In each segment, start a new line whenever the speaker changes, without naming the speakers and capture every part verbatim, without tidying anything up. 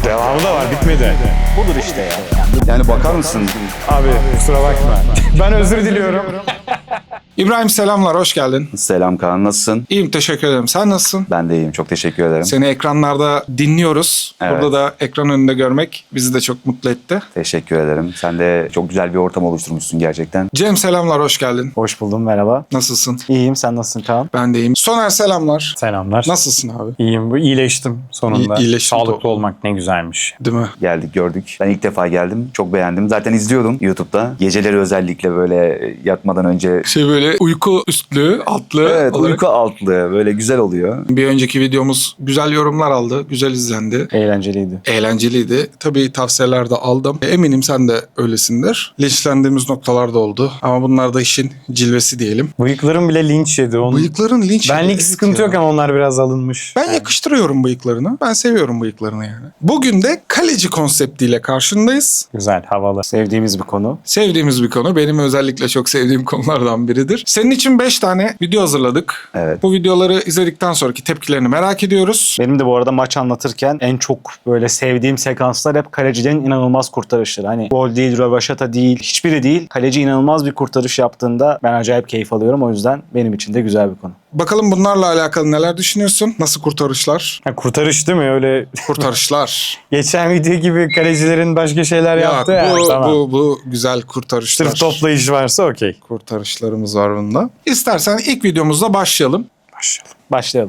Devamı da var, bitmedi.
Budur işte ya.
Yani bakar mısın?
Abi kusura bakma. Ben özür diliyorum. İbrahim selamlar, hoş geldin.
Selam Kaan, nasılsın?
İyiyim, teşekkür ederim. Sen nasılsın?
Ben de iyiyim, çok teşekkür ederim.
Seni ekranlarda dinliyoruz.
Evet.
Burada da ekran önünde görmek bizi de çok mutlu etti.
Teşekkür ederim. Sen de çok güzel bir ortam oluşturmuşsun gerçekten.
Cem selamlar, hoş geldin.
Hoş buldum, merhaba.
Nasılsın?
İyiyim, sen nasılsın Kaan?
Ben de iyiyim. Soner selamlar.
Selamlar.
Nasılsın abi?
İyiyim. Bu iyileştim sonunda.
İyi- iyileştim.
Sağlıklı olmak ne güzelmiş.
Değil mi?
Geldik, gördük. Ben ilk defa geldim. Çok beğendim. Zaten izliyordum YouTube'da. Geceleri özellikle böyle yatmadan önce...
Şey böyle uyku üstlü, altlı
Evet,
olarak.
uyku altlı. Böyle güzel oluyor.
Bir önceki videomuz güzel yorumlar aldı, güzel izlendi.
Eğlenceliydi.
Eğlenceliydi. Tabii tavsiyeler de aldım. Eminim sen de öylesindir. Linçlendiğimiz noktalar da oldu. Ama bunlar da işin cilvesi diyelim.
Bıyıklarım bile linç yedi. Onun...
Bıyıkların linç.
Benlik
Evet
sıkıntı
ya.
yok ama onlar biraz alınmış.
Ben yakıştırıyorum bıyıklarını. Ben seviyorum bıyıklarını yani. Bugün de kaleci konseptiyle karşındayız.
Güzel, havalı.
Sevdiğimiz bir konu.
Sevdiğimiz bir konu. Benim özellikle çok sevdiğim konulardan biridir. Senin için beş tane video hazırladık.
Evet.
Bu videoları izledikten sonraki tepkilerini merak ediyoruz.
Benim de bu arada maç anlatırken en çok böyle sevdiğim sekanslar hep kalecilerin inanılmaz kurtarışları. Hani gol değil, rövaşata değil, hiçbiri değil. Kaleci inanılmaz bir kurtarış yaptığında ben acayip keyif alıyorum. O yüzden benim için de güzel bir konu.
Bakalım bunlarla alakalı neler düşünüyorsun? Nasıl kurtarışlar?
Ha, kurtarış değil mi? Öyle
Kurtarışlar.
geçen video gibi kalecilerin başka şeyler
Yok,
yaptı ya.
bu,
Tamam.
bu, bu güzel kurtarışlar.
Sırf toplayış varsa okey.
Kurtarışlarımız var bunda. İstersen ilk videomuzla başlayalım.
Başlayalım.
Başlayalım.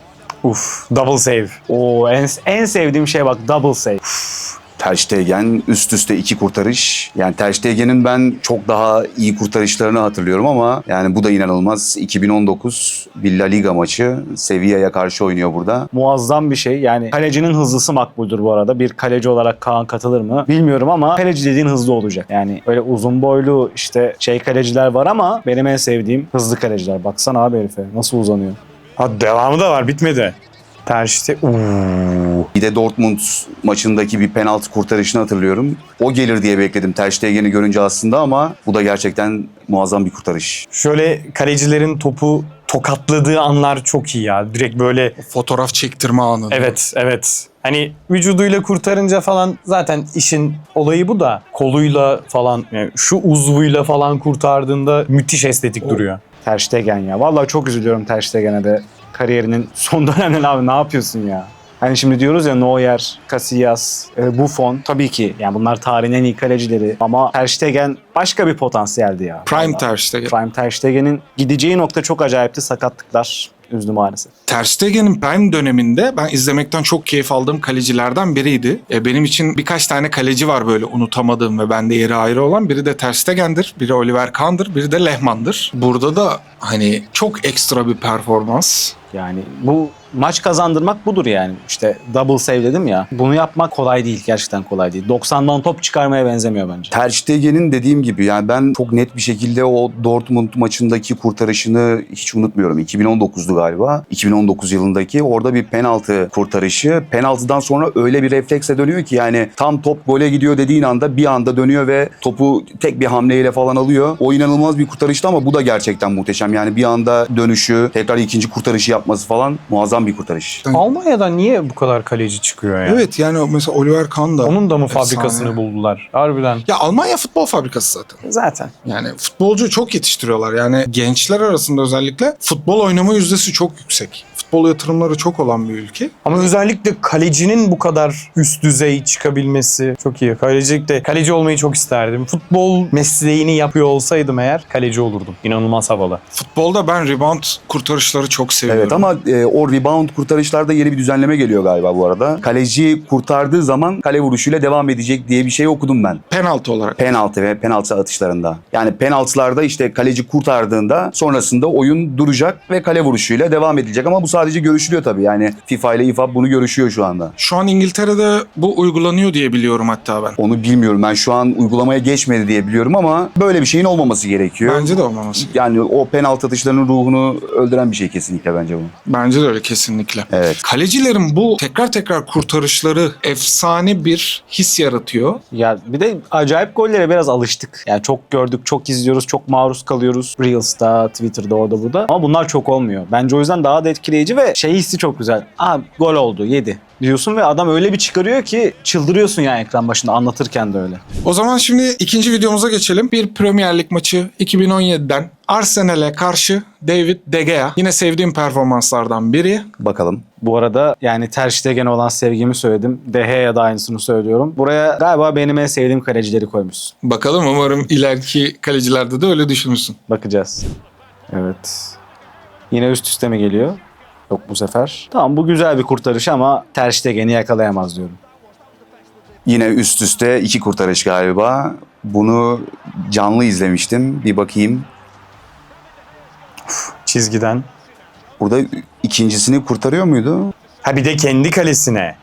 Uf, double save.
Oo, en, en sevdiğim şey bak, double save.
Ter Stegen üst üste iki kurtarış. Yani Ter Stegen'in ben çok daha iyi kurtarışlarını hatırlıyorum ama yani bu da inanılmaz. iki bin on dokuz bir La Liga maçı. Sevilla'ya karşı oynuyor burada.
Muazzam bir şey. Yani kalecinin hızlısı makbuldür bu arada. Bir kaleci olarak Kaan katılır mı bilmiyorum ama kaleci dediğin hızlı olacak. Yani öyle uzun boylu işte şey kaleciler var ama benim en sevdiğim hızlı kaleciler. Baksana abi herife nasıl uzanıyor.
Ha, devamı da var, bitmedi. Terste. Uuu.
Bir de Dortmund maçındaki bir penaltı kurtarışını hatırlıyorum. O gelir diye bekledim Ter Stegen'i görünce aslında ama bu da gerçekten muazzam bir kurtarış.
Şöyle kalecilerin topu tokatladığı anlar çok iyi ya. Direkt böyle
Fotoğraf çektirme anı.
evet evet. Hani vücuduyla kurtarınca falan zaten işin olayı bu da koluyla falan yani şu uzvuyla falan kurtardığında müthiş estetik duruyor.
Ter Stegen ya. Vallahi çok üzülüyorum Ter Stegen'e de. Kariyerinin son döneminde abi ne yapıyorsun ya? Hani şimdi diyoruz ya Neuer, Casillas, e, Buffon. Tabii ki yani bunlar tarihin en iyi kalecileri. Ama Ter Stegen başka bir potansiyeldi ya.
Prime
Vallahi.
Ter Stegen.
Prime Ter Stegen'in gideceği nokta çok acayipti. Sakatlıklar üzdü maalesef.
Ter Stegen'in prime döneminde ben izlemekten çok keyif aldığım kalecilerden biriydi. E, benim için birkaç tane kaleci var böyle unutamadığım ve bende yeri ayrı olan. Biri de Ter Stegen'dir, biri Oliver Kahn'dır, biri de Lehmann'dır. Burada da hani çok ekstra bir performans.
Yani bu maç kazandırmak budur yani. İşte double save dedim ya. Bunu yapmak kolay değil. Gerçekten kolay değil. doksandan top çıkarmaya benzemiyor bence.
Ter Stegen'in dediğim gibi yani ben çok net bir şekilde o Dortmund maçındaki kurtarışını hiç unutmuyorum. iki bin on dokuzdu galiba. iki bin on dokuz yılındaki orada bir penaltı kurtarışı. Penaltıdan sonra öyle bir refleksle dönüyor ki yani tam top gole gidiyor dediğin anda bir anda dönüyor ve topu tek bir hamleyle falan alıyor. O inanılmaz bir kurtarıştı ama bu da gerçekten muhteşem. Yani bir anda dönüşü, tekrar ikinci kurtarışı yapması falan muazzam bir kurtarış.
Almanya'dan niye bu kadar kaleci çıkıyor ya?
Evet yani o mesela Oliver Kahn da.
Onun da mı
efsane.
fabrikasını buldular? Harbiden.
Ya Almanya futbol fabrikası zaten.
Zaten.
Yani futbolcu çok yetiştiriyorlar. Yani gençler arasında özellikle futbol oynama yüzdesi çok yüksek. Futbol yatırımları çok olan bir ülke.
Ama özellikle kalecinin bu kadar üst düzey çıkabilmesi çok iyi. Kalecilikte kaleci olmayı çok isterdim. Futbol mesleğini yapıyor olsaydım eğer kaleci olurdum. İnanılmaz havalı.
Futbolda ben rebound kurtarışları çok seviyorum.
Evet ama e, o rebound kurtarışlarda yeni bir düzenleme geliyor galiba bu arada. Kaleci kurtardığı zaman kale vuruşuyla devam edecek diye bir şey okudum ben.
Penaltı olarak.
Penaltı ve penaltı atışlarında. Yani penaltılarda işte kaleci kurtardığında sonrasında oyun duracak ve kale vuruşuyla devam edilecek. Ama bu sadece görüşülüyor tabii. Yani FIFA ile İFAB bunu görüşüyor şu anda.
Şu an İngiltere'de bu uygulanıyor diye biliyorum hatta ben.
Onu bilmiyorum. Ben şu an uygulamaya geçmedi diye biliyorum ama böyle bir şeyin olmaması gerekiyor.
Bence de olmaması.
Yani o penaltı atışlarının ruhunu öldüren bir şey kesinlikle bence bu.
Bence de öyle kesinlikle.
Evet.
Kalecilerin bu tekrar tekrar kurtarışları efsane bir his yaratıyor.
Ya bir de acayip gollere biraz alıştık. Yani çok gördük, çok izliyoruz, çok maruz kalıyoruz. Reels'ta, Twitter'da, orada burada. Ama bunlar çok olmuyor. Bence o yüzden daha da etkileyici kaleci ve şey hissi çok güzel. Aa gol oldu, yedi diyorsun ve adam öyle bir çıkarıyor ki çıldırıyorsun yani ekran başında anlatırken de öyle.
O zaman şimdi ikinci videomuza geçelim. Bir Premier Lig maçı iki bin on yediden Arsenal'e karşı David De Gea. Yine sevdiğim performanslardan biri.
Bakalım.
Bu arada yani Ter Stegen'e olan sevgimi söyledim. De Gea'ya da aynısını söylüyorum. Buraya galiba benim en sevdiğim kalecileri koymuşsun.
Bakalım, umarım ileriki kalecilerde de öyle düşünürsün.
Bakacağız. Evet. Yine üst üste mi geliyor? Yok bu sefer. Tamam bu güzel bir kurtarış ama Ter Stegen'i yakalayamaz diyorum.
Yine üst üste iki kurtarış galiba. Bunu canlı izlemiştim. Bir bakayım.
Çizgiden.
Burada ikincisini kurtarıyor muydu?
Ha bir de kendi kalesine.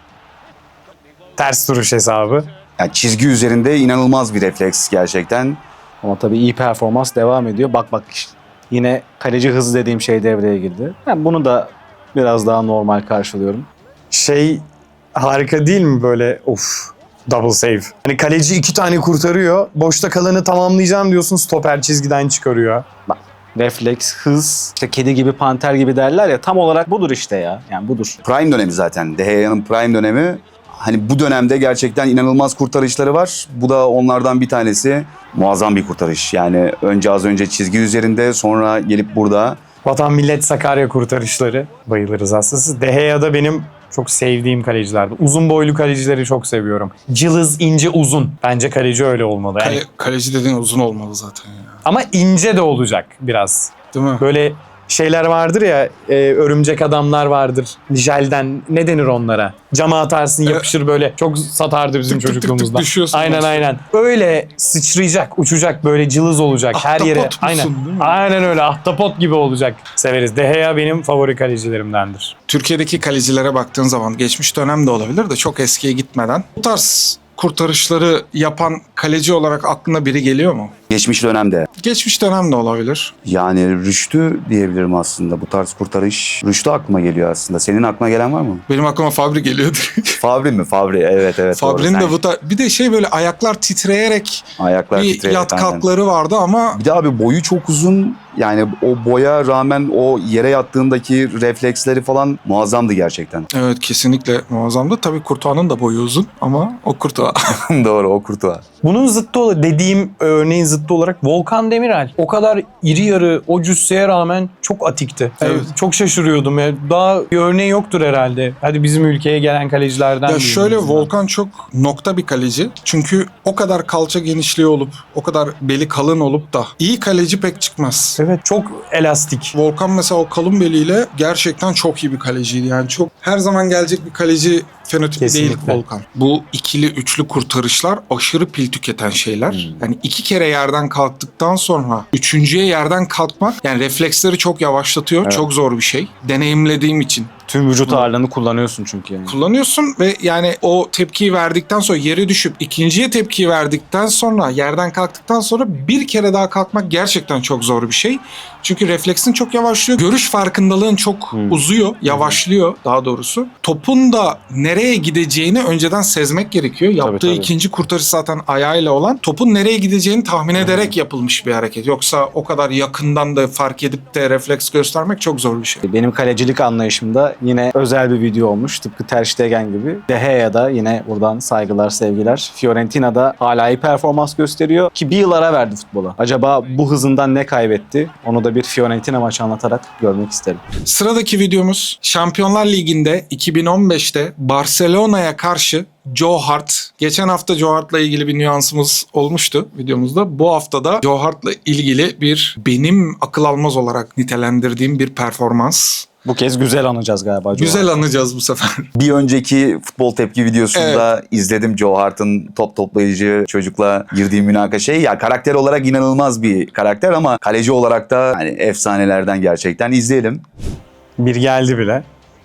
Ters duruş hesabı.
Yani çizgi üzerinde inanılmaz bir refleks gerçekten.
Ama tabii iyi performans devam ediyor. Bak bak işte. Yine kaleci hızı dediğim şey devreye girdi. Ben bunu da biraz daha normal karşılıyorum.
Şey harika değil mi böyle of double save. Hani kaleci iki tane kurtarıyor. Boşta kalanı tamamlayacağım diyorsun stoper çizgiden çıkarıyor.
Bak refleks, hız, işte kedi gibi panter gibi derler ya tam olarak budur işte ya. Yani budur.
Prime dönemi zaten. De Gea'nın prime dönemi. Hani bu dönemde gerçekten inanılmaz kurtarışları var. Bu da onlardan bir tanesi. Muazzam bir kurtarış. Yani önce az önce çizgi üzerinde, sonra gelip burada.
Vatan Millet Sakarya kurtarışları. Bayılırız aslında. De Gea da benim çok sevdiğim kalecilerdi. Uzun boylu kalecileri çok seviyorum. Cılız, ince, uzun. Bence kaleci öyle olmalı. Yani,
Kale, kaleci dediğin uzun olmalı zaten ya.
ama ince de olacak biraz.
Değil mi?
Böyle şeyler vardır ya, e, örümcek adamlar vardır. Jelden ne denir onlara? Cama atarsın yapışır böyle. Çok satardı bizim
Tık tık tık tık
çocukluğumuzda.
düşüyorsun
Aynen
başta.
aynen. Öyle sıçrayacak, uçacak böyle cılız olacak her yere.
Ahtapot musun,
Aynen.
değil mi?
Aynen öyle ahtapot gibi olacak. Severiz. De Gea benim favori kalecilerimdendir.
Türkiye'deki kalecilere baktığın zaman geçmiş dönem de olabilir de çok eskiye gitmeden bu tarz kurtarışları yapan kaleci olarak aklına biri geliyor mu?
Geçmiş dönemde.
Geçmiş dönem de olabilir.
Yani Rüştü diyebilirim aslında bu tarz kurtarış. Rüştü aklıma geliyor aslında. Senin aklına gelen var mı?
Benim aklıma Fabri geliyordu.
Fabri mi? Fabri. Evet evet. doğru.
Fabri'nin
Sen-
de bu tarz... Bir de şey böyle ayaklar titreyerek
Ayaklar
bir
titreyerek,
yat
aynen.
kalkları vardı ama
Bir de abi boyu çok uzun. Yani o boya rağmen o yere yattığındaki refleksleri falan muazzamdı gerçekten.
evet kesinlikle muazzamdı. Tabii Kurtuğa'nın da boyu uzun ama o Kurtuğa.
Doğru, o kurtuğa.
Bunun zıttı olarak dediğim örneğin zıttı olarak Volkan Demirel. O kadar iri yarı o cüsseye rağmen çok atikti. Yani
Evet.
çok şaşırıyordum. Yani daha bir örneği yoktur herhalde. Hadi bizim ülkeye gelen kalecilerden.
Ya
diyeyim
şöyle
en azından.
Volkan çok nokta bir kaleci. Çünkü o kadar kalça genişliği olup, o kadar beli kalın olup da iyi kaleci pek çıkmaz.
Evet çok elastik.
Volkan mesela o kalın beliyle gerçekten çok iyi bir kaleciydi. Yani çok her zaman gelecek bir kaleci fenotipi değil
Kesinlikle.
Volkan. Bu ikili üçlü kurtarışlar aşırı pil tüketen şeyler. Yani iki kere yerden kalktıktan sonra üçüncüye yerden kalkmak yani refleksleri çok yavaşlatıyor.
Evet.
Çok zor bir şey. Deneyimlediğim için.
Tüm vücut ağırlığını kullanıyorsun çünkü yani.
Kullanıyorsun ve yani o tepkiyi verdikten sonra yere düşüp ikinciye tepkiyi verdikten sonra yerden kalktıktan sonra bir kere daha kalkmak gerçekten çok zor bir şey. Çünkü refleksin çok yavaşlıyor. Görüş farkındalığın çok
Hmm.
uzuyor, yavaşlıyor daha doğrusu. Topun da nereye gideceğini önceden sezmek gerekiyor. Yaptığı
tabii.
ikinci kurtarış zaten ayağıyla olan. Topun nereye gideceğini tahmin ederek yapılmış bir hareket. Yoksa o kadar yakından da fark edip de refleks göstermek çok zor bir şey.
Benim kalecilik anlayışımda yine özel bir video olmuş. Tıpkı Ter Stegen gibi. De Gea'da yine buradan saygılar, sevgiler. Fiorentina'da hala iyi performans gösteriyor ki bir yıl ara verdi futbola. Acaba bu hızından ne kaybetti? Onu da bir Fiorentina maçı anlatarak görmek isterim.
Sıradaki videomuz Şampiyonlar Ligi'nde iki bin on beşte Barcelona'ya karşı Joe Hart. Geçen hafta Joe Hart'la ilgili bir nüansımız olmuştu videomuzda. Bu hafta da Joe Hart'la ilgili bir benim akıl almaz olarak nitelendirdiğim bir performans.
Bu kez güzel anacağız galiba. Joe
Güzel
Hart.
anacağız bu sefer.
Bir önceki futbol tepki videosunda izledim Joe Hart'ın top toplayıcı çocukla girdiği münakaşayı. Ya karakter olarak inanılmaz bir karakter ama kaleci olarak da hani efsanelerden gerçekten. İzleyelim.
Bir geldi bile.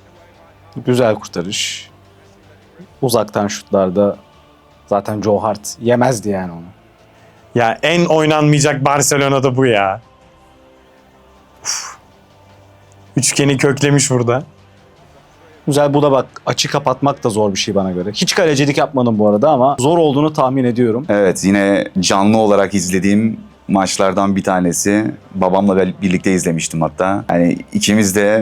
Güzel kurtarış. Uzaktan şutlarda zaten Joe Hart yemezdi yani onu.
Ya en oynanmayacak Barcelona'da bu ya. Uf. Üçgeni köklemiş burada.
Güzel, bu da bak açı kapatmak da zor bir şey bana göre. Hiç kalecilik yapmadım bu arada ama zor olduğunu tahmin ediyorum.
Evet, yine canlı olarak izlediğim maçlardan bir tanesi. Babamla birlikte izlemiştim hatta. Yani ikimiz de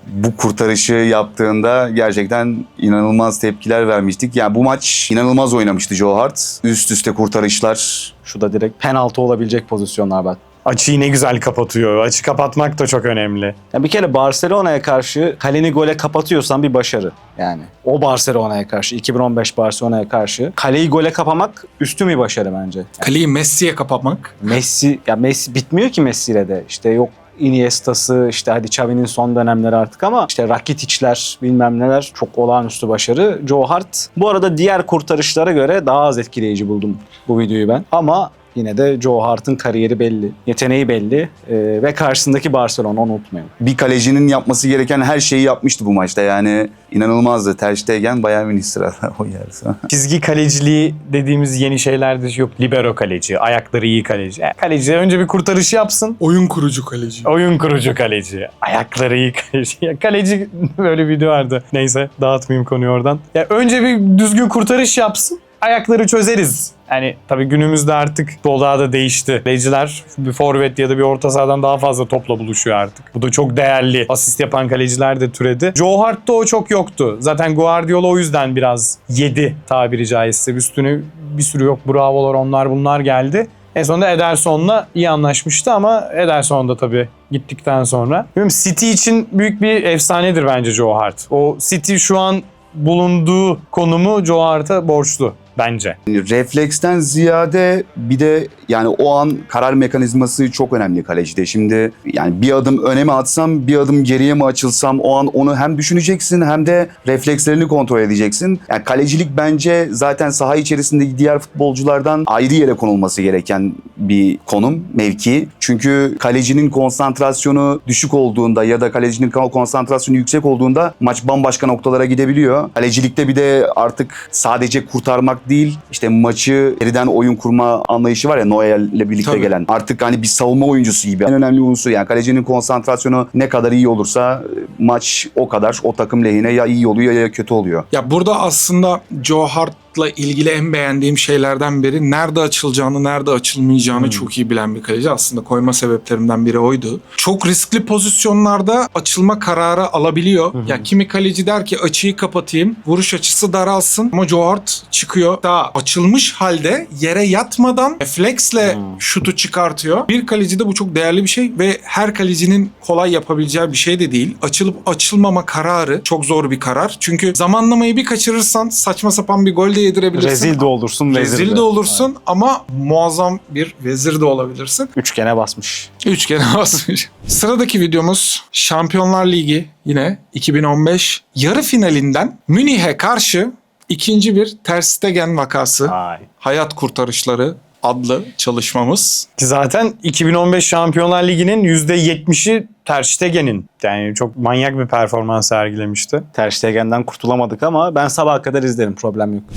bu kurtarışı yaptığında gerçekten inanılmaz tepkiler vermiştik. Yani bu maç inanılmaz oynamıştı Joe Hart. Üst üste kurtarışlar.
Şu da direkt penaltı olabilecek pozisyonlar bak.
Açıyı ne güzel kapatıyor. Açı kapatmak da çok önemli.
Ya bir kere Barcelona'ya karşı kaleni gole kapatıyorsan bir başarı. Yani o Barcelona'ya karşı, iki bin on beş Barcelona'ya karşı kaleyi gole kapamak üstün bir başarı bence.
Kaleyi Messi'ye kapamak.
Messi, ya Messi bitmiyor ki Messi'yle de. İşte yok Iniesta'sı, işte hadi Xavi'nin son dönemleri artık ama işte Rakitic'ler bilmem neler çok olağanüstü başarı. Joe Hart. Bu arada diğer kurtarışlara göre daha az etkileyici buldum bu videoyu ben. Ama yine de Joe Hart'ın kariyeri belli, yeteneği belli ee, ve karşısındaki Barcelona, onu unutmayın.
Bir kalecinin yapması gereken her şeyi yapmıştı bu maçta. Yani inanılmazdı. Ter Stegen Bayern Münih sırada o yerse.
Çizgi kaleciliği dediğimiz yeni şeylerde yok. Libero kaleci, ayakları iyi kaleci. Yani kaleci önce bir kurtarış yapsın.
Oyun kurucu kaleci.
Oyun kurucu kaleci. Ayakları iyi kaleci. Ya kaleci böyle bir video vardı. Neyse dağıtmayayım konuyu oradan. Ya önce bir düzgün kurtarış yapsın. Ayakları çözeriz. Yani tabii günümüzde artık futbol daha da değişti. Kaleciler bir forvet ya da bir orta sahadan daha fazla topla buluşuyor artık. Bu da çok değerli. Asist yapan kaleciler de türedi. Joe Hart'ta o çok yoktu. Zaten Guardiola o yüzden biraz yedi tabiri caizse. Üstüne bir sürü yok. Bravolar onlar bunlar geldi. En sonunda Ederson'la iyi anlaşmıştı ama Ederson da tabii gittikten sonra. Bilmiyorum, City için büyük bir efsanedir bence Joe Hart. O City şu an bulunduğu konumu Joe Hart'a borçlu bence.
Refleksten ziyade bir de yani o an karar mekanizması çok önemli kalecide. Şimdi yani bir adım öne mi atsam, bir adım geriye mi açılsam, o an onu hem düşüneceksin hem de reflekslerini kontrol edeceksin. Yani kalecilik bence zaten saha içerisindeki diğer futbolculardan ayrı yere konulması gereken bir konum, mevki. Çünkü kalecinin konsantrasyonu düşük olduğunda ya da kalecinin konsantrasyonu yüksek olduğunda maç bambaşka noktalara gidebiliyor. Kalecilikte bir de artık sadece kurtarmak değil, işte maçı geriden oyun kurma anlayışı var ya, Neuer'le birlikte
Tabii.
gelen. Artık hani bir savunma oyuncusu gibi. En önemli unsur yani kalecinin konsantrasyonu ne kadar iyi olursa maç o kadar o takım lehine ya iyi oluyor ya kötü oluyor.
Ya burada aslında Joe Hart'la ilgili en beğendiğim şeylerden biri nerede açılacağını, nerede açılmayacağını çok iyi bilen bir kaleci. Aslında koyma sebeplerimden biri oydu. Çok riskli pozisyonlarda açılma kararı alabiliyor. Ya kimi kaleci der ki açıyı kapatayım, vuruş açısı daralsın ama Joe Hart çıkıyor. Daha açılmış halde yere yatmadan refleksle şutu çıkartıyor. Bir kalecide bu çok değerli bir şey ve her kalecinin kolay yapabileceği bir şey de değil. Açılıp açılmama kararı çok zor bir karar. Çünkü zamanlamayı bir kaçırırsan saçma sapan bir gol de yedirebilirsin.
Rezil de olursun, vezir
Rezil de olursun ama muazzam bir vezir de olabilirsin.
Üçgene basmış.
Üçgene basmış. Sıradaki videomuz Şampiyonlar Ligi, yine iki bin on beş yarı finalinden Münih'e karşı ikinci bir Ter Stegen vakası.
Ay.
Hayat Kurtarışları adlı çalışmamız.
Ki zaten iki bin on beş Şampiyonlar Ligi'nin yüzde yetmişi Ter Stegen'in. Yani çok manyak bir performans sergilemişti.
Ter Stegen'den kurtulamadık ama ben sabaha kadar izlerim, problem yok.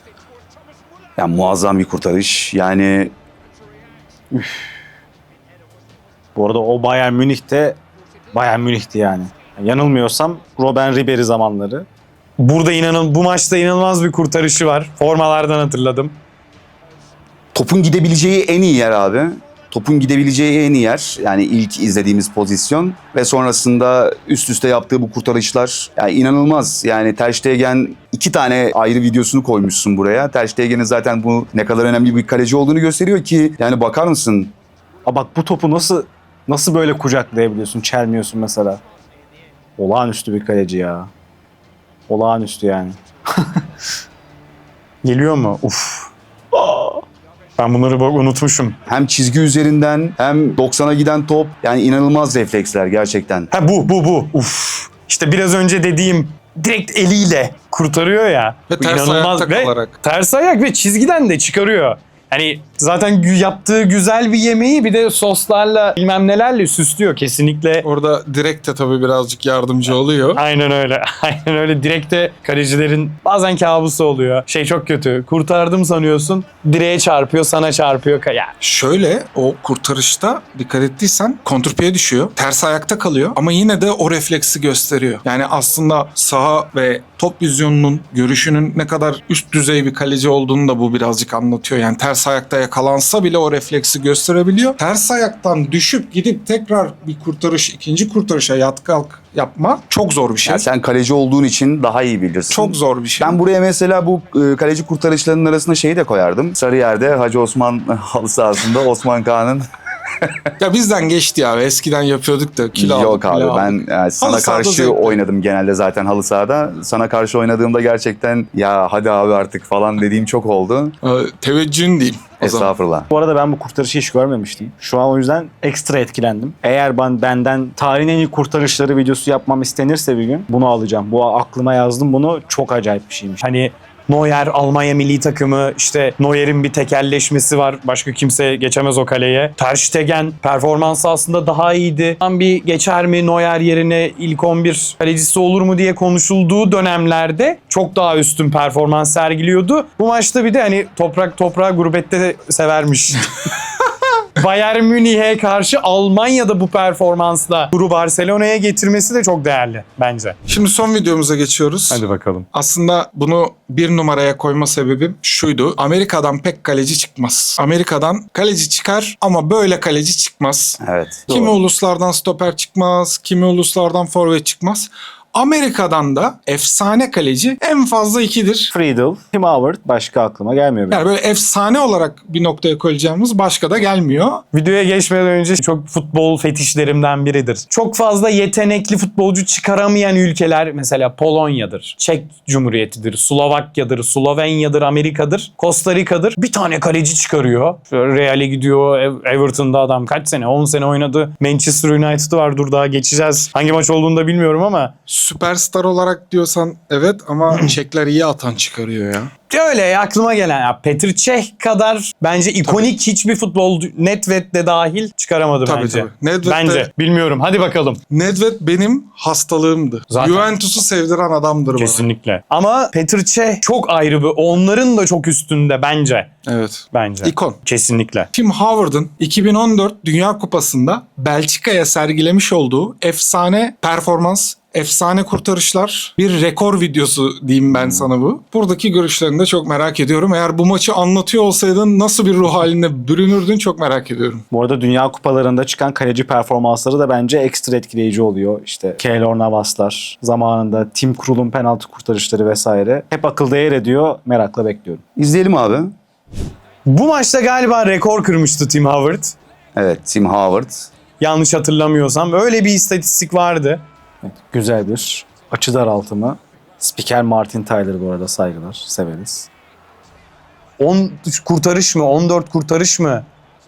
Yani muazzam bir kurtarış. Yani
Bu arada o Bayern Münih'te Bayern Münih'ti yani. Yanılmıyorsam Robben Ribery zamanları.
Burada inanın bu maçta inanılmaz bir kurtarışı var. Formalardan hatırladım.
topun gidebileceği en iyi yer abi. Topun gidebileceği en iyi yer. Yani ilk izlediğimiz pozisyon ve sonrasında üst üste yaptığı bu kurtarışlar yani inanılmaz. Yani Ter Stegen iki tane ayrı videosunu koymuşsun buraya. Ter Stegen'in zaten bu ne kadar önemli bir kaleci olduğunu gösteriyor ki yani bakar mısın?
Aa bak bu topu nasıl nasıl böyle kucaklayabiliyorsun, çelmiyorsun mesela. Olağanüstü bir kaleci ya. Olağanüstü yani.
Geliyor mu? Uf. Ben bunları bak unutmuşum.
Hem çizgi üzerinden hem doksana giden top yani inanılmaz refleksler gerçekten.
Ha bu bu bu. Uf. İşte biraz önce dediğim direkt eliyle kurtarıyor ya.
Ve
Bu
ters
inanılmaz
ayakta
ve
kalarak.
ters ayak ve çizgiden de çıkarıyor. Hani zaten gü- yaptığı güzel bir yemeği bir de soslarla bilmem nelerle süslüyor kesinlikle.
Orada direkt de tabii birazcık yardımcı oluyor.
Aynen öyle. Aynen öyle. Direkte kalecilerin bazen kabusu oluyor. Şey çok kötü. Kurtardım sanıyorsun. Direğe çarpıyor, sana çarpıyor. Ya
Şöyle o kurtarışta dikkat ettiysen kontrpiye düşüyor. Ters ayakta kalıyor ama yine de o refleksi gösteriyor. Yani aslında saha ve top vizyonunun, görüşünün ne kadar üst düzey bir kaleci olduğunu da bu birazcık anlatıyor. Yani ters ters ayakta yakalansa bile o refleksi gösterebiliyor. Ters ayaktan düşüp gidip tekrar bir kurtarış, ikinci kurtarışa yat kalk yapma çok zor bir şey.
Yani sen kaleci olduğun için daha iyi bilirsin.
Çok zor bir şey.
Ben buraya mesela bu e, kaleci kurtarışlarının arasında şeyi de koyardım. Sarıyer'de Hacı Osman halı sahasında Osman Kağan'ın
Ya bizden geçti ya. Eskiden yapıyorduk da kilo aldık.
yok abi
kilo
ben
aldık.
yani sana
Halı sahada
karşı
zevkli.
oynadım genelde zaten halı sahada. Sana karşı oynadığımda gerçekten ya hadi abi artık falan dediğim çok oldu.
Ee, teveccühün diyeyim. O zaman.
Estağfurullah.
Bu arada ben bu kurtarışı hiç görmemiştim. Şu an o yüzden ekstra etkilendim. Eğer ben benden tarihin en iyi kurtarışları videosu yapmam istenirse bir gün bunu alacağım. Bu aklıma yazdım bunu. Çok acayip bir şeymiş.
Hani Neuer Almanya milli takımı, işte Neuer'in bir tekelleşmesi var. Başka kimse geçemez o kaleye. Ter Stegen performansı aslında daha iyiydi. Tam bir geçer mi Neuer yerine ilk on bir kalecisi olur mu diye konuşulduğu dönemlerde çok daha üstün performans sergiliyordu. Bu maçta bir de hani toprak toprağı gurbette de severmiş. Bayern Münih'e karşı Almanya'da bu performansla kuru Barcelona'ya getirmesi de çok değerli bence.
Şimdi son videomuza geçiyoruz.
Hadi bakalım.
Aslında bunu bir numaraya koyma sebebim şuydu. Amerika'dan pek kaleci çıkmaz. Amerika'dan kaleci çıkar ama böyle kaleci çıkmaz.
Evet.
Kimi
doğru.
uluslardan stoper çıkmaz, kimi uluslardan forvet çıkmaz. Amerika'dan da efsane kaleci en fazla ikidir.
Friedel, Tim Howard başka aklıma gelmiyor benim.
Yani böyle efsane olarak bir noktaya koyacağımız başka da gelmiyor.
Videoya geçmeden önce çok futbol fetişlerimden biridir. Çok fazla yetenekli futbolcu çıkaramayan ülkeler mesela Polonya'dır, Çek Cumhuriyeti'dir, Slovakya'dır, Slovenya'dır, Amerika'dır, Costa Rica'dır. Bir tane kaleci çıkarıyor. Şöyle Real'e gidiyor, Ev- Everton'da adam kaç sene? on sene oynadı. Manchester United'ı var, dur daha geçeceğiz. Hangi maç olduğunu da bilmiyorum ama
Süperstar olarak diyorsan evet ama Çekler iyi atan çıkarıyor ya.
öyle aklıma gelen ya Petr Cech kadar bence ikonik hiçbir futbolcu Nedved de dahil çıkaramadı
Tabii,
bence.
tabii. Nedved de-
Bence. Bilmiyorum. Hadi bakalım.
Nedved benim hastalığımdı.
Zaten.
Juventus'u sevdiren adamdır bana.
Kesinlikle. Ama Petr Cech çok ayrı bir. Onların da çok üstünde bence.
Evet.
Bence.
İkon.
Kesinlikle.
Tim Howard'ın iki bin on dört Dünya Kupası'nda Belçika'ya sergilemiş olduğu efsane performans, efsane kurtarışlar, bir rekor videosu diyeyim ben sana bu. Buradaki görüşlerini de çok merak ediyorum. Eğer bu maçı anlatıyor olsaydın nasıl bir ruh haline bürünürdün çok merak ediyorum.
Bu arada Dünya Kupalarında çıkan kaleci performansları da bence ekstra etkileyici oluyor. İşte Keylor Navaslar, zamanında Tim Krul'un penaltı kurtarışları vesaire. Hep akılda yer ediyor. Merakla bekliyorum.
İzleyelim abi.
Bu maçta galiba rekor kırmıştı Tim Howard.
Evet, Tim Howard.
Yanlış hatırlamıyorsam. Öyle bir istatistik vardı.
Evet, güzel bir açı daraltımı. Spiker Martin Tyler bu arada, saygılar, severiz.
on kurtarış mı? on dört kurtarış mı?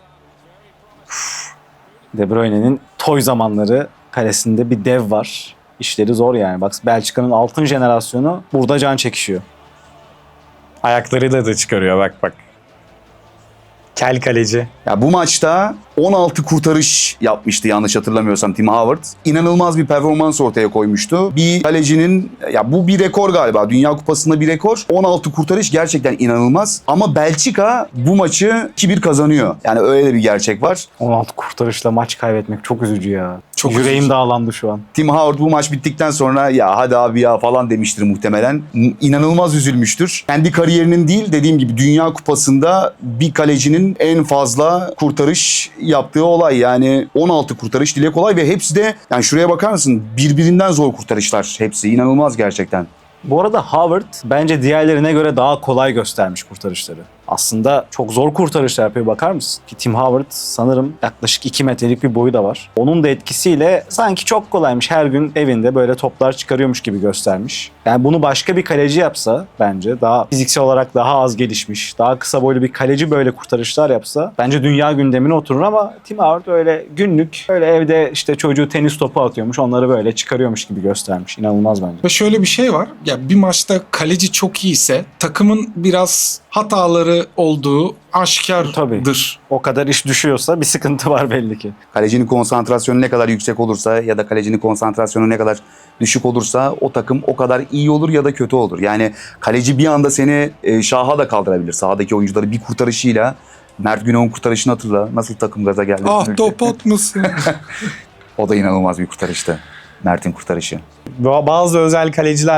De Bruyne'nin toy zamanları kalesinde bir dev var. İşleri zor yani. Bak Belçika'nın altın jenerasyonu burada can çekişiyor.
Ayakları da da çıkarıyor bak bak. Kel kaleci.
Ya bu maçta on altı kurtarış yapmıştı yanlış hatırlamıyorsam Tim Howard. İnanılmaz bir performans ortaya koymuştu. Bir kalecinin, ya bu bir rekor galiba. Dünya Kupası'nda bir rekor. on altı kurtarış gerçekten inanılmaz. Ama Belçika bu maçı iki bir kazanıyor. Yani öyle bir gerçek var.
on altı kurtarışla maç kaybetmek çok üzücü ya.
Çok
Yüreğim
üzücü.
dağlandı şu an.
Tim Howard bu maç bittikten sonra ya hadi abi ya falan demiştir muhtemelen. İnanılmaz üzülmüştür. Kendi kariyerinin değil, dediğim gibi Dünya Kupası'nda bir kalecinin en fazla kurtarış yaptığı olay. Yani on altı kurtarış dile kolay ve hepsi de, yani şuraya bakar mısın, birbirinden zor kurtarışlar hepsi. İnanılmaz gerçekten.
Bu arada Howard bence diğerlerine göre daha kolay göstermiş kurtarışları. Aslında çok zor kurtarışlar yapıyor, bakar mısın? Ki Tim Howard sanırım yaklaşık iki metrelik bir boyu da var. Onun da etkisiyle sanki çok kolaymış, her gün evinde böyle toplar çıkarıyormuş gibi göstermiş. Yani bunu başka bir kaleci yapsa bence, daha fiziksel olarak daha az gelişmiş, daha kısa boylu bir kaleci böyle kurtarışlar yapsa bence dünya gündemine oturur ama Tim Howard öyle günlük, öyle evde işte çocuğu tenis topu atıyormuş, onları böyle çıkarıyormuş gibi göstermiş. İnanılmaz bence.
Ve şöyle bir şey var. Ya bir maçta kaleci çok iyiyse takımın biraz hataları olduğu aşikardır.
Tabii. O kadar iş düşüyorsa bir sıkıntı var belli ki.
Kalecinin konsantrasyonu ne kadar yüksek olursa ya da kalecinin konsantrasyonu ne kadar düşük olursa o takım o kadar iyi olur ya da kötü olur. Yani kaleci bir anda seni e, şaha da kaldırabilir. Sahadaki oyuncuları bir kurtarışıyla. Mert Günok'un kurtarışını hatırla. Nasıl takım gaza geldi.
Ah topot musun?
O da inanılmaz bir kurtarıştı. Mert'in kurtarışı.
Bazı özel kaleciler var.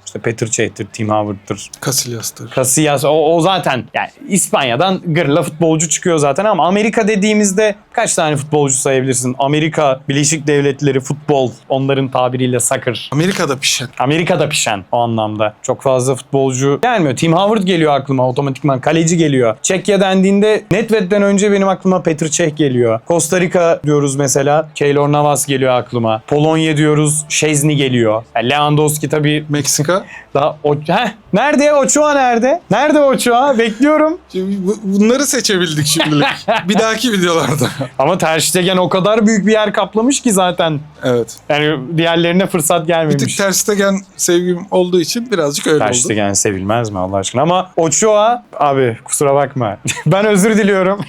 İşte Petr Cech'tir, Tim Howard'tır,
Casillas'tır.
Casillas, o, o zaten yani İspanya'dan gırla futbolcu çıkıyor zaten ama Amerika dediğimizde kaç tane futbolcu sayabilirsin? Amerika Birleşik Devletleri futbol, onların tabiriyle soccer.
Amerika'da pişen.
Amerika'da pişen o anlamda. Çok fazla futbolcu gelmiyor. Tim Howard geliyor aklıma otomatikman. Kaleci geliyor. Çekya dendiğinde Nedved'den önce benim aklıma Petr Cech geliyor. Costa Rica diyoruz mesela. Keylor Navas geliyor aklıma. Polonya diyoruz. Szczesny geliyor. Yani Lewandowski tabii
Meksika.
daha... O... Heh, nerede? Ochoa nerede? Nerede Ochoa? Bekliyorum.
Şimdi bu- bunları seçebildik şimdilik. Bir dahaki videolarda.
Ama Ter Stegen o kadar büyük bir yer kaplamış ki zaten.
Evet.
Yani diğerlerine fırsat
Bir
gelmemiş.
tık Ter Stegen sevgim olduğu için birazcık öyle
Ter
oldu.
Stegen sevilmez mi Allah aşkına? Ama Ochoa abi kusura bakma. Ben özür diliyorum.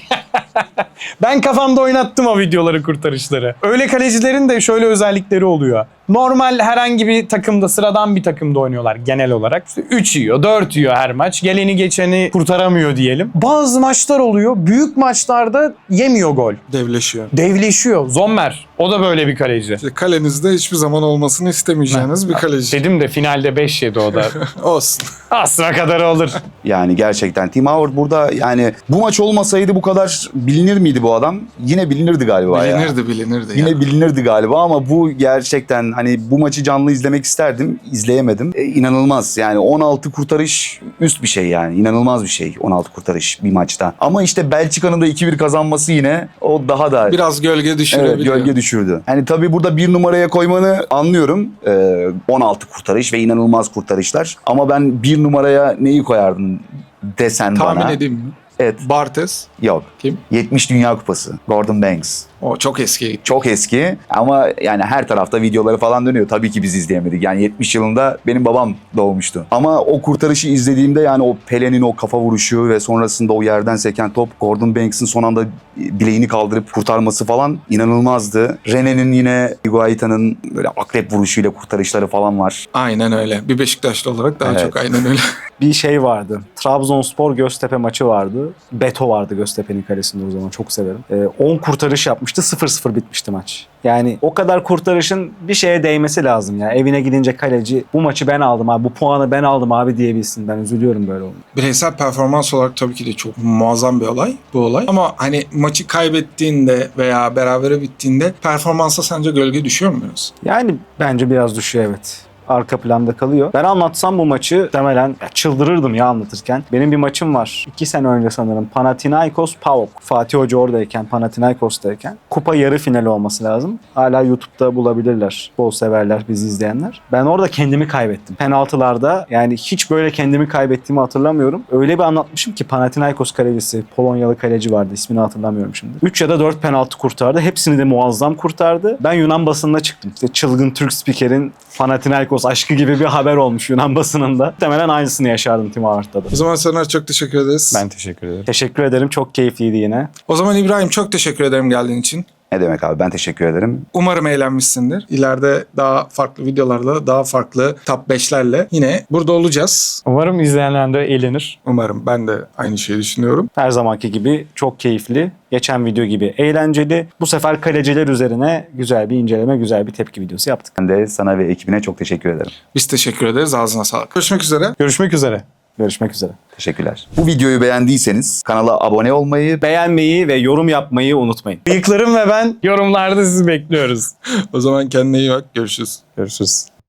Ben kafamda oynattım o videoları, kurtarışları. Öyle kalecilerin de şöyle özellikleri oluyor. Normal herhangi bir takımda, sıradan bir takımda oynuyorlar genel olarak. İşte üç yiyor, dört yiyor her maç. Geleni geçeni kurtaramıyor diyelim. Bazı maçlar oluyor. Büyük maçlarda yemiyor gol.
Devleşiyor.
Devleşiyor. Zommer. O da böyle bir kaleci.
İşte kalenizde hiçbir zaman olmasını istemeyeceğiniz bir kaleci.
Dedim de finalde beş yedi o da.
Olsun.
Aslına kadar olur.
Yani gerçekten Tim Howard burada, yani bu maç olmasaydı bu kadar bilinir miydi bu adam? Yine bilinirdi galiba ya.
Bilinirdi bilinirdi.
Yine
ya.
bilinirdi galiba ama bu gerçekten, hani bu maçı canlı izlemek isterdim. İzleyemedim. E, inanılmaz yani, on altı kurtarış üst bir şey yani. İnanılmaz bir şey on altı kurtarış bir maçta. Ama işte Belçika'nın da iki bir kazanması yine o daha da
Biraz gölge düşürebiliyor.
evet, gölge düşürdü. Yani tabii burada bir numaraya koymanı anlıyorum. Ee, on altı kurtarış ve inanılmaz kurtarışlar. Ama ben bir numaraya neyi koyardım desen
Tahmin
bana.
edeyim mi?
Evet.
Bartes.
Yok.
Kim?
yetmiş Dünya Kupası. Gordon Banks.
O çok eski.
Çok eski ama yani her tarafta videoları falan dönüyor. Tabii ki biz izleyemedik. Yani yetmiş yılında benim babam doğmuştu. Ama o kurtarışı izlediğimde, yani o Pele'nin o kafa vuruşu ve sonrasında o yerden seken top, Gordon Banks'in son anda bileğini kaldırıp kurtarması falan inanılmazdı. René'nin yine Higuaita'nın böyle akrep vuruşuyla kurtarışları falan var.
Aynen öyle. Bir Beşiktaşlı olarak daha
Evet.
çok aynen öyle.
Bir şey vardı. Trabzonspor Göztepe maçı vardı. Beto vardı Göztepe'nin kalesinde o zaman. Çok severim. Ee, on kurtarış yapmıştı. sıfır sıfır bitmişti maç. Yani o kadar kurtarışın bir şeye değmesi lazım ya. Evine gidince kaleci bu maçı ben aldım abi, bu puanı ben aldım abi diyebilsin. Ben üzülüyorum böyle oldu.
Bireysel performans olarak tabii ki de çok muazzam bir olay bu olay. Ama hani maçı kaybettiğinde veya berabere bittiğinde performansa sence gölge düşüyor mu biraz?
Yani bence biraz düşüyor, evet. Arka planda kalıyor. Ben anlatsam bu maçı muhtemelen ya çıldırırdım ya anlatırken. Benim bir maçım var. iki sene önce sanırım. Panathinaikos PAOK. Fatih Hoca oradayken, Panathinaikos'tayken. Kupa yarı finali olması lazım. Hala YouTube'da bulabilirler. Bol severler, bizi izleyenler. Ben orada kendimi kaybettim. Penaltılarda yani hiç böyle kendimi kaybettiğimi hatırlamıyorum. Öyle bir anlatmışım ki Panathinaikos kalecisi, Polonyalı kaleci vardı. İsmini hatırlamıyorum şimdi. üç ya da dört penaltı kurtardı. Hepsini de muazzam kurtardı. Ben Yunan basınına çıktım. İşte çılgın Türk spikerin Panathinaikos aşkı gibi bir haber olmuş Yunan basınında. Muhtemelen aynısını yaşardım Tim Howard'da da.
O zaman Soner çok teşekkür ederiz.
Ben teşekkür ederim.
Teşekkür ederim. Çok keyifliydi yine.
O zaman İbrahim çok teşekkür ederim geldiğin için.
Ne demek abi, ben teşekkür ederim.
Umarım eğlenmişsindir. İleride daha farklı videolarla, daha farklı top beşlerle yine burada olacağız.
Umarım izleyenler de eğlenir.
Umarım, ben de aynı şeyi düşünüyorum.
Her zamanki gibi çok keyifli. Geçen video gibi eğlenceli. Bu sefer kaleciler üzerine güzel bir inceleme, güzel bir tepki videosu yaptık.
Ben de sana ve ekibine çok teşekkür ederim.
Biz teşekkür ederiz. Ağzına sağlık. Görüşmek üzere.
Görüşmek üzere.
Görüşmek üzere.
Teşekkürler. Bu videoyu beğendiyseniz kanala abone olmayı,
Beğenmeyi ve yorum yapmayı unutmayın.
Bıyıklarım ve ben yorumlarda sizi bekliyoruz.
O zaman kendine iyi bak. Görüşürüz.
Görüşürüz.